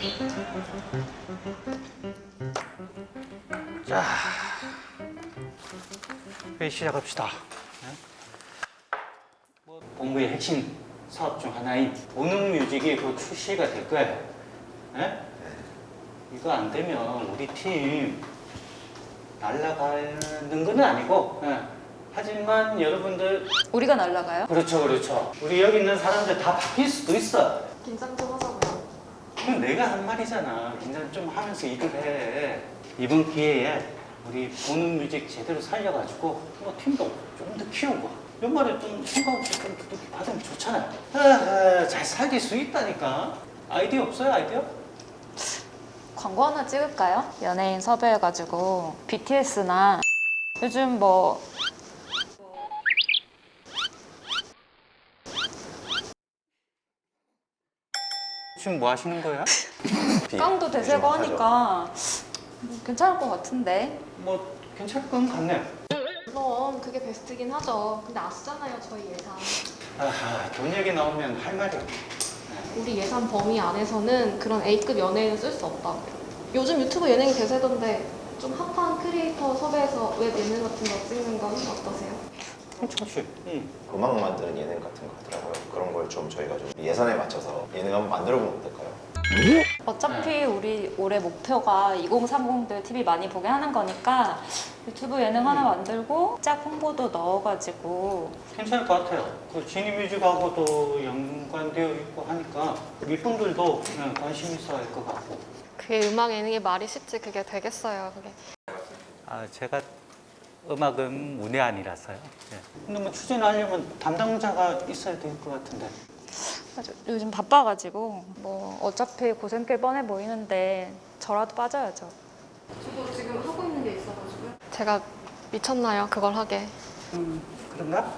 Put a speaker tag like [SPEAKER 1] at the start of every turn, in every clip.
[SPEAKER 1] 자, 회의 시작합시다. 본부의 핵심 사업 중 하나인 보능뮤직이 곧 출시가 될 거예요. 네? 이거 안 되면 우리 팀 날아가는 건 아니고, 하지만 여러분들
[SPEAKER 2] 우리가 날라가요?
[SPEAKER 1] 그렇죠. 우리 여기 있는 사람들 다 바뀔 수도 있어.
[SPEAKER 3] 긴장 좀 하자고요.
[SPEAKER 1] 그건 내가 한 말이잖아. 긴장 좀 하면서 일을 해. 이번 기회에 우리 보능뮤직 제대로 살려가지고 팀도 좀 더 키우고 연말에 좀 생각 좀 두둑히 받으면 좋잖아요. 잘 살릴 수 있다니까. 아이디어 없어요, 아이디어?
[SPEAKER 2] 광고 하나 찍을까요? 연예인 섭외해가지고 BTS나 요즘 뭐
[SPEAKER 1] 지금 뭐 하시는 거야?
[SPEAKER 2] 깡도 대세고 하니까 괜찮을 것 같은데.
[SPEAKER 1] 뭐 괜찮을 건 같네요.
[SPEAKER 3] 물론 그게 베스트긴 하죠. 근데 아시잖아요, 저희 예산.
[SPEAKER 1] 돈 얘기 나오면 할 말이 없네.
[SPEAKER 3] 우리 예산 범위 안에서는 그런 A급 연예인을 쓸 수 없다고요. 요즘 유튜브 예능이 대세던데 좀 핫한 크리에이터 섭외해서 웹 예능 같은 거 찍는 건 어떠세요?
[SPEAKER 1] 그렇지.
[SPEAKER 4] 음악 만드는 예능 같은 거 하더라고요. 그런 걸 좀 저희가 좀 예산에 맞춰서 예능 한번 만들어 보면 어떨까요?
[SPEAKER 2] 어차피 우리 올해 목표가 2030들 TV 많이 보게 하는 거니까 유튜브 예능 하나 만들고 짝 홍보도 넣어가지고
[SPEAKER 1] 괜찮을 것 같아요. 그 지니뮤직하고도 연관되어 있고 하니까 일분들도 관심 있어 할 것 같고.
[SPEAKER 3] 그게 음악 예능이 말이 쉽지 그게 되겠어요, 그게.
[SPEAKER 1] 제가 음악은 문외한이라서요. 근데 뭐 추진하려면 담당자가 있어야 될 것 같은데.
[SPEAKER 2] 맞아, 요즘 바빠가지고 뭐 어차피 고생길 뻔해 보이는데 저라도 빠져야죠.
[SPEAKER 3] 저도 지금 하고 있는 게 있어가지고요. 제가 미쳤나요, 그걸 하게?
[SPEAKER 1] 그런가?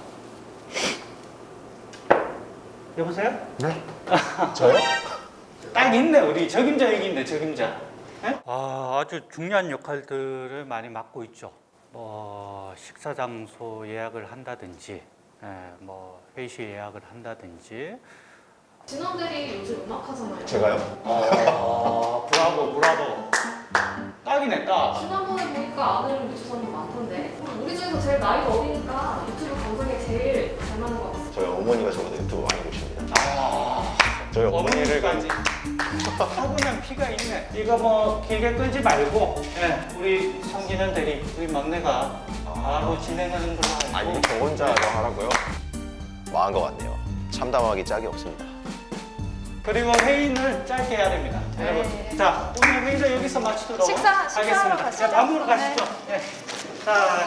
[SPEAKER 1] 여보세요?
[SPEAKER 4] 네? 저요?
[SPEAKER 1] 딱 있네. 우리 적임자 여기 있네. 적임자. 아주 중요한 역할들을 많이 맡고 있죠. 뭐 식사 장소 예약을 한다든지, 뭐 회의실 예약을 한다든지.
[SPEAKER 3] 진원들이 요즘 음악 하잖아요.
[SPEAKER 4] 제가요?
[SPEAKER 1] 브라보. 딱이네, 딱.
[SPEAKER 3] 지난번에 보니까 아들 유튜버님 많던데. 우리 중에서 제일 나이가 어리니까 유튜브 감성에 제일 잘 맞는 것 같아요.
[SPEAKER 4] 저희 어머니가 저보다 유튜브 많이 보십니다.
[SPEAKER 1] 아,
[SPEAKER 4] 저희 어머니를
[SPEAKER 1] 어머니까지. 타고난 피가 있네. 이거 뭐 길게 끌지 말고, 우리 성기는 대리, 우리 막내가 바로 진행하는 걸로 하고.
[SPEAKER 4] 아니 저 혼자서 하라고요? 망한 것 같네요. 참담하기 짝이 없습니다.
[SPEAKER 1] 그리고 회의는 짧게 해야 됩니다. 여러분. 자, 오늘 회의를 여기서 마치도록
[SPEAKER 2] 식사하러
[SPEAKER 1] 하겠습니다.
[SPEAKER 2] 가시죠.
[SPEAKER 1] 자, 밥 먹으러
[SPEAKER 2] 네.
[SPEAKER 1] 가시죠. 자,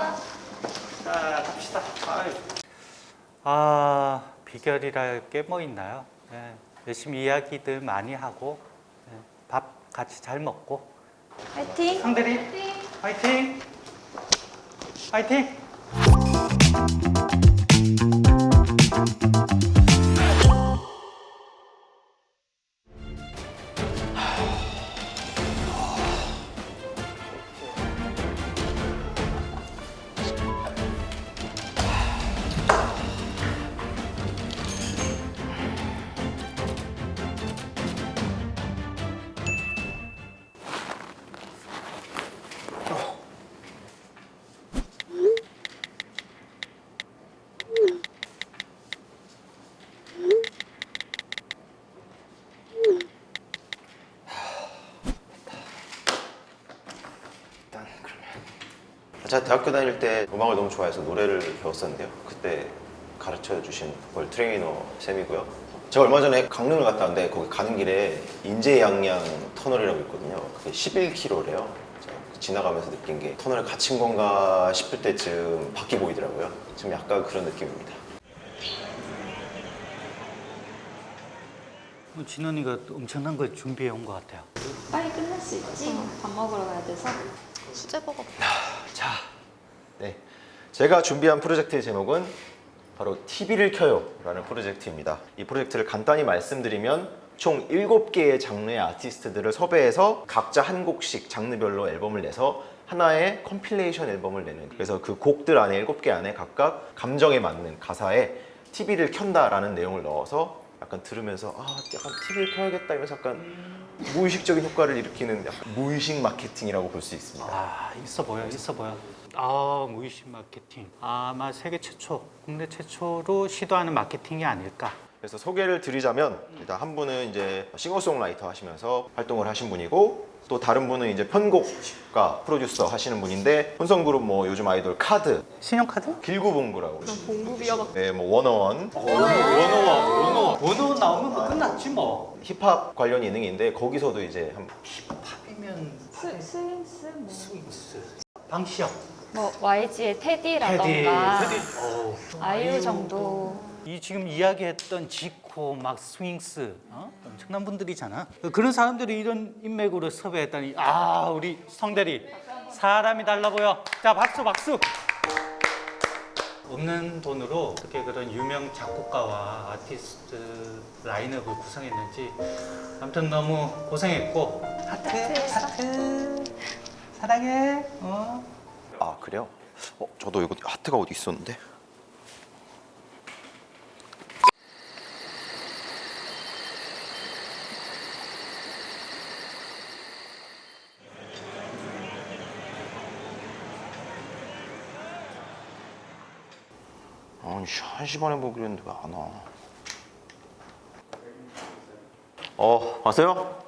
[SPEAKER 1] 갑시다. 비결이랄 게 뭐 있나요? 열심히 이야기들 많이 하고, 밥 같이 잘 먹고.
[SPEAKER 2] 화이팅!
[SPEAKER 1] 상대리, 화이팅! 화이팅!
[SPEAKER 4] 일단 그러면 제가 대학교 다닐 때 음악을 너무 좋아해서 노래를 배웠었는데요. 그때 가르쳐 주신 보컬 트레이너 쌤이고요. 제가 얼마 전에 강릉을 갔다 왔는데 거기 가는 길에 인제양양 터널이라고 있거든요. 그게 11km래요. 지나가면서 느낀 게 터널에 갇힌 건가 싶을 때쯤 밖이 보이더라고요. 지금 약간 그런 느낌입니다.
[SPEAKER 1] 진원이가 엄청난 걸 준비해 온 것 같아요.
[SPEAKER 2] 빨리 끝낼 수 있지? 밥 먹으러 가야 돼서.
[SPEAKER 3] 수제버거.
[SPEAKER 4] 자, 네, 제가 준비한 프로젝트의 제목은 바로 TV를 켜요 라는 프로젝트입니다. 이 프로젝트를 간단히 말씀드리면 총 7개의 장르의 아티스트들을 섭외해서 각자 한 곡씩 장르별로 앨범을 내서 하나의 컴필레이션 앨범을 내는, 그래서 그 곡들 안에 7개 안에 각각 감정에 맞는 가사에 TV를 켠다 라는 내용을 넣어서 약간 들으면서 약간 TV를 켜야겠다 이러면서 약간 무의식적인 효과를 일으키는 약간 무의식 마케팅이라고 볼 수 있습니다.
[SPEAKER 1] 아, 있어 보여. 무의식 마케팅. 아마 세계 최초, 국내 최초로 시도하는 마케팅이 아닐까.
[SPEAKER 4] 그래서 소개를 드리자면 일단 한 분은 이제 싱어송라이터 하시면서 활동을 하신 분이고 또 다른 분은 이제 편곡가 프로듀서 하시는 분인데 혼성그룹 뭐 요즘 아이돌 카드,
[SPEAKER 1] 신용카드?
[SPEAKER 4] 길구봉구라고
[SPEAKER 3] 공부비하다.
[SPEAKER 4] 네, 뭐 워너원
[SPEAKER 1] 원어원 나오면 뭐 끝났지 뭐.
[SPEAKER 4] 힙합 관련 예능인데 거기서도 이제 한
[SPEAKER 1] 팝이면
[SPEAKER 2] 스윙스 뭐,
[SPEAKER 1] 스윙스. 방시혁.
[SPEAKER 2] 뭐 YG의 테디라던가
[SPEAKER 1] 테디.
[SPEAKER 2] 아이유 정도.
[SPEAKER 1] 이 지금 이야기했던 지코, 막 스윙스, 엄청난 분들이잖아. 그런 사람들이 이런 인맥으로 섭외했다니, 우리 성대리 사람이 달라 보여. 자, 박수. 없는 돈으로 어떻게 그런 유명 작곡가와 아티스트 라인업을 구성했는지 아무튼 너무 고생했고 하트 사랑해.
[SPEAKER 4] 그래요? 저도 이거 하트가 어디 있었는데? 아니 1시 반에 보기로 했는데 왜 안 와? 왔어요?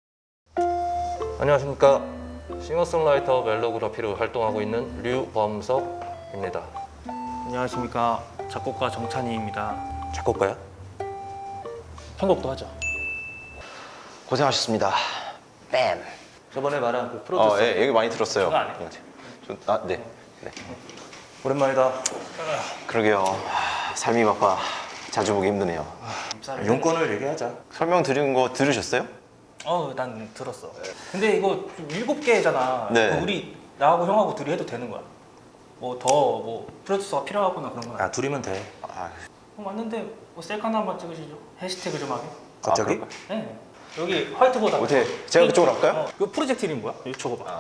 [SPEAKER 5] 안녕하십니까. 싱어송라이터 멜로그래피로 활동하고 있는 류범석입니다.
[SPEAKER 6] 안녕하십니까. 작곡가 정찬희입니다.
[SPEAKER 5] 작곡가야?
[SPEAKER 6] 편곡도 하죠.
[SPEAKER 4] 고생하셨습니다. 뺨.
[SPEAKER 5] 저번에 말한 그 프로듀서.
[SPEAKER 4] 예, 얘기 많이 들었어요.
[SPEAKER 6] 그거 안 해?
[SPEAKER 4] 네.
[SPEAKER 5] 오랜만이다.
[SPEAKER 4] 그러게요. 삶이 바빠. 자주 보기 힘드네요.
[SPEAKER 5] 용건을 얘기하자.
[SPEAKER 4] 설명 드린 거 들으셨어요?
[SPEAKER 6] 난 들었어. 근데 이거 7개잖아.
[SPEAKER 4] 네.
[SPEAKER 6] 우리 나하고 형하고 둘이 해도 되는 거야. 뭐 프로듀서가 필요하거나 그런 건 아니야.
[SPEAKER 5] 둘이면 돼.
[SPEAKER 6] 맞는데 셀카 한번 찍으시죠. 해시태그 좀 하게.
[SPEAKER 5] 갑자기?
[SPEAKER 4] 그럴까요?
[SPEAKER 6] 네. 여기 화이트보드.
[SPEAKER 4] 어떻게 제가 그쪽으로 할까요?
[SPEAKER 6] 그 프로젝트 이름 뭐야? 여기 적어봐.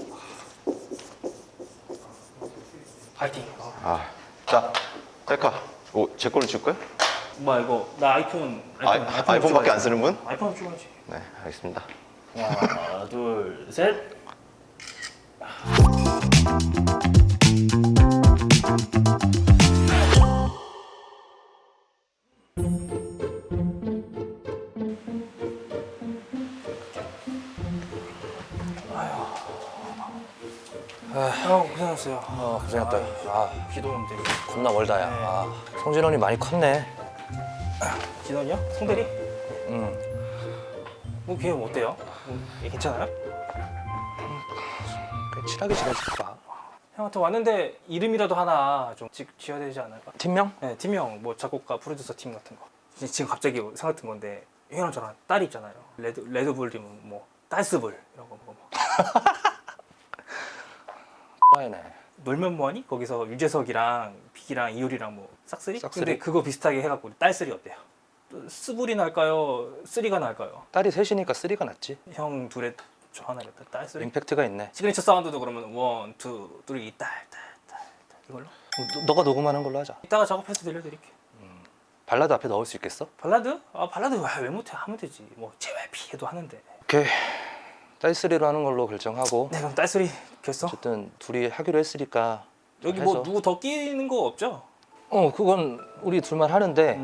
[SPEAKER 6] 파이팅.
[SPEAKER 4] 자, 셀카. 제 걸로 찍을까요?
[SPEAKER 6] 뭐야 이거 나 아이폰
[SPEAKER 4] 아이폰밖에 안 쓰는 분?
[SPEAKER 6] 아이폰 찍어야지.
[SPEAKER 4] 네, 알겠습니다.
[SPEAKER 6] 하나 둘 셋. 고생했어요.
[SPEAKER 5] 고생했다.
[SPEAKER 6] 기도 좀 드리고.
[SPEAKER 5] 겁나 멀다, 야. 성진원이 많이 컸네.
[SPEAKER 6] 기도냐? 송대리?
[SPEAKER 5] 응.
[SPEAKER 6] 걔 어때요? 괜찮아요?
[SPEAKER 5] 그냥 친하게 지내줄까?
[SPEAKER 6] 형한테 왔는데 이름이라도 하나 좀 지어야 되지 않을까?
[SPEAKER 5] 팀명?
[SPEAKER 6] 네, 팀명, 뭐 작곡가, 프로듀서 팀 같은 거. 지금 갑자기 생각든 건데 형이랑 저랑 딸이 있잖아요. 레드불이면 뭐 댄스불 이런 거 뭐.
[SPEAKER 5] 라이네.
[SPEAKER 6] 놀면 뭐하니? 거기서 유재석이랑 빅이랑 이효리랑 뭐 싹쓸이?
[SPEAKER 5] 싹쓸이?
[SPEAKER 6] 근데 그거 비슷하게 해갖고 딸쓰리 어때요? 스불이 날까요? 쓰리가 날까요?
[SPEAKER 5] 딸이 셋이니까 쓰리가 낫지.
[SPEAKER 6] 형 둘에 저 하나겠다. 딸쓰리?
[SPEAKER 5] 임팩트가 있네.
[SPEAKER 6] 시그니처 사운드도 그러면 원, 투, 쓰리, 딸 이걸로?
[SPEAKER 5] 너가 녹음하는 걸로 하자.
[SPEAKER 6] 이따가 작업해서 들려드릴게.
[SPEAKER 5] 발라드 앞에 넣을 수 있겠어?
[SPEAKER 6] 발라드? 발라드 왜 못해? 하면 되지. 뭐 JYP 해도 하는데.
[SPEAKER 5] 오케이. 딸쓰리로 하는 걸로 결정하고.
[SPEAKER 6] 네, 그럼 딸쓰리 결성?
[SPEAKER 5] 어쨌든 둘이 하기로 했으니까
[SPEAKER 6] 여기
[SPEAKER 5] 해서.
[SPEAKER 6] 뭐 누구 더 끼는 거 없죠?
[SPEAKER 5] 그건 우리 둘만 하는데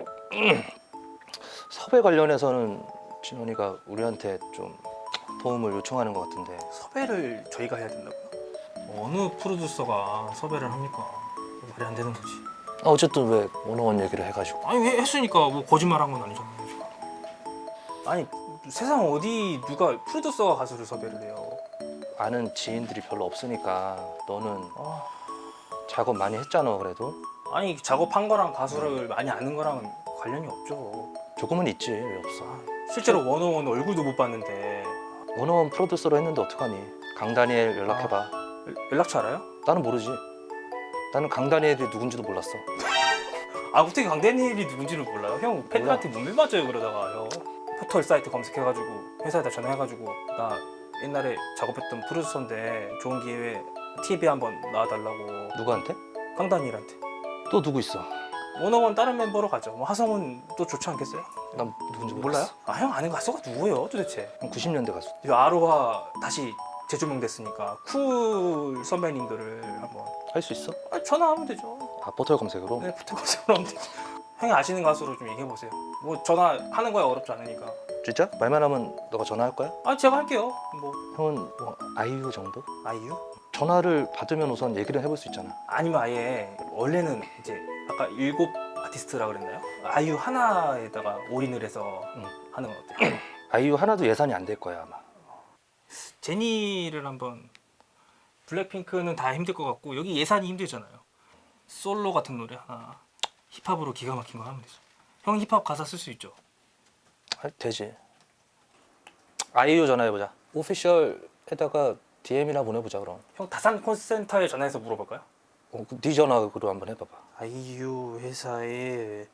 [SPEAKER 5] 섭외 관련해서는 진원이가 우리한테 좀 도움을 요청하는 것 같은데.
[SPEAKER 6] 섭외를 저희가 해야 된다고요? 어느 프로듀서가 섭외를 합니까? 말이 안 되는 거지.
[SPEAKER 5] 어쨌든 왜 원어원 얘기를 해가지고.
[SPEAKER 6] 아니 왜 했으니까 뭐 거짓말한 건 아니잖아요. 지금. 아니 세상 어디 누가 프로듀서가 가수를 섭외를 해요?
[SPEAKER 5] 아는 지인들이 별로 없으니까 너는
[SPEAKER 6] 아,
[SPEAKER 5] 작업 많이 했잖아. 그래도
[SPEAKER 6] 아니 작업한 거랑 가수를 많이 아는 거랑은 관련이 없죠.
[SPEAKER 5] 조금은 있지. 왜 없어?
[SPEAKER 6] 실제로 원어원 얼굴도 못 봤는데
[SPEAKER 5] 원어원 프로듀서로 했는데 어떡하니? 강다니엘 연락해봐.
[SPEAKER 6] 연락처 알아요?
[SPEAKER 5] 나는 모르지. 나는 강다니엘이 누군지도 몰랐어.
[SPEAKER 6] 어떻게 강대니엘이 누군지를 몰라요? 형 팬들한테 문밀 맞아요 그러다가요. 포털 사이트 검색해가지고 회사에다 전화해가지고 나 옛날에 작업했던 프로듀서인데 좋은 기회에 TV에 한번 나와달라고.
[SPEAKER 5] 누구한테?
[SPEAKER 6] 강다니엘한테.
[SPEAKER 5] 또 누구 있어?
[SPEAKER 6] 원어원 다른 멤버로 가죠. 뭐 하성은 또 좋지 않겠어요?
[SPEAKER 5] 난 누군지
[SPEAKER 6] 몰라요?
[SPEAKER 5] 모르겠어.
[SPEAKER 6] 아 형 아는 가수가 누구예요 도대체?
[SPEAKER 5] 형 90년대 가수.
[SPEAKER 6] 이 아로하 다시 재조명됐으니까 쿨 선배님들을 한번
[SPEAKER 5] 할 수 있어?
[SPEAKER 6] 전화하면 되죠.
[SPEAKER 5] 아 포털 검색으로?
[SPEAKER 6] 네, 붙어 검색으로 하면 되죠. 형이 아시는 가수로 좀 얘기해 보세요. 뭐 전화하는 거야 어렵지 않으니까.
[SPEAKER 5] 진짜? 말만 하면 너가 전화할 거야?
[SPEAKER 6] 아 제가 할게요. 뭐
[SPEAKER 5] 형은 뭐 아이유 정도?
[SPEAKER 6] 아이유?
[SPEAKER 5] 전화를 받으면 우선 얘기를 해볼 수 있잖아.
[SPEAKER 6] 아니면 아예 원래는 이제 아까 7 아티스트라 그랬나요? 아이유 하나에다가 올인을 해서 하는 건 어때요?
[SPEAKER 5] 아이유 하나도 예산이 안 될 거야 아마.
[SPEAKER 6] 제니를 한번 블랙핑크는 다 힘들 것 같고 여기 예산이 힘들잖아요. 솔로 같은 노래 하나 힙합으로 기가 막힌 거 하면 되죠. 형 힙합 가사 쓸 수 있죠?
[SPEAKER 5] 아, 되지. 아이유 전화해보자. 오피셜에다가 DM이나 보내보자 그럼.
[SPEAKER 6] 형 다산 콜센터에 전화해서 물어볼까요?
[SPEAKER 5] 네 전화로 한번 해봐봐.
[SPEAKER 6] 아이유 회사의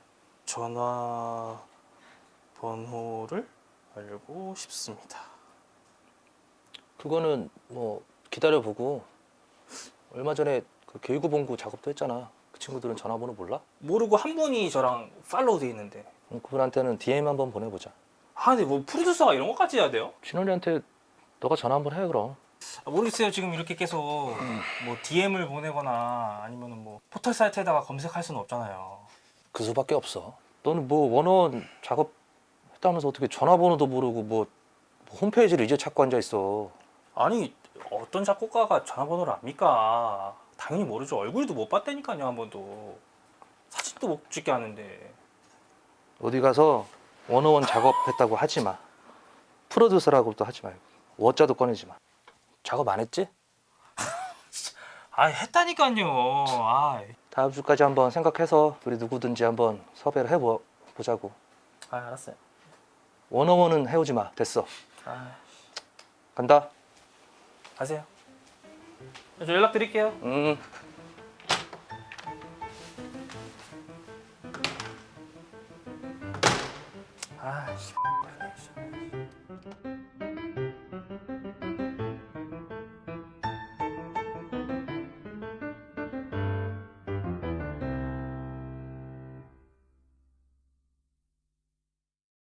[SPEAKER 6] 전화 번호를 알고 싶습니다.
[SPEAKER 5] 그거는 뭐 기다려보고 얼마 전에 그 교육본부 작업도 했잖아. 그 친구들은 전화번호 몰라?
[SPEAKER 6] 모르고 한 분이 저랑 팔로우 돼 있는데
[SPEAKER 5] 그분한테는 DM 한번 보내보자.
[SPEAKER 6] 아 근데 뭐 프로듀서가 이런 것까지 해야 돼요?
[SPEAKER 5] 진원이한테 너가 전화 한번 해 그럼.
[SPEAKER 6] 아, 모르겠어요. 지금 이렇게 계속 뭐 DM을 보내거나 아니면은 뭐 포털 사이트에다가 검색할 수는 없잖아요.
[SPEAKER 5] 그 수밖에 없어. 너는 뭐 원어원 작업했다면서 어떻게 전화번호도 모르고 뭐 홈페이지를 이제 찾고 앉아 있어.
[SPEAKER 6] 아니 어떤 작곡가가 전화번호를 압니까? 당연히 모르죠. 얼굴도 못 봤다니까요. 한 번도 사진도 못 찍게 하는데.
[SPEAKER 5] 어디 가서 원어원 작업했다고 하지 마. 프로듀서라고도 하지 말고 워자도 꺼내지 마. 작업 안 했지?
[SPEAKER 6] 아 했다니까요. 아,
[SPEAKER 5] 다음 주까지 한번 생각해서 우리 누구든지 한번 섭외를 해보자고.
[SPEAKER 6] 알았어요.
[SPEAKER 5] 원어원은 해오지 마. 됐어.
[SPEAKER 6] 아,
[SPEAKER 5] 간다.
[SPEAKER 6] 가세요. 저 연락 드릴게요. 아, 씨.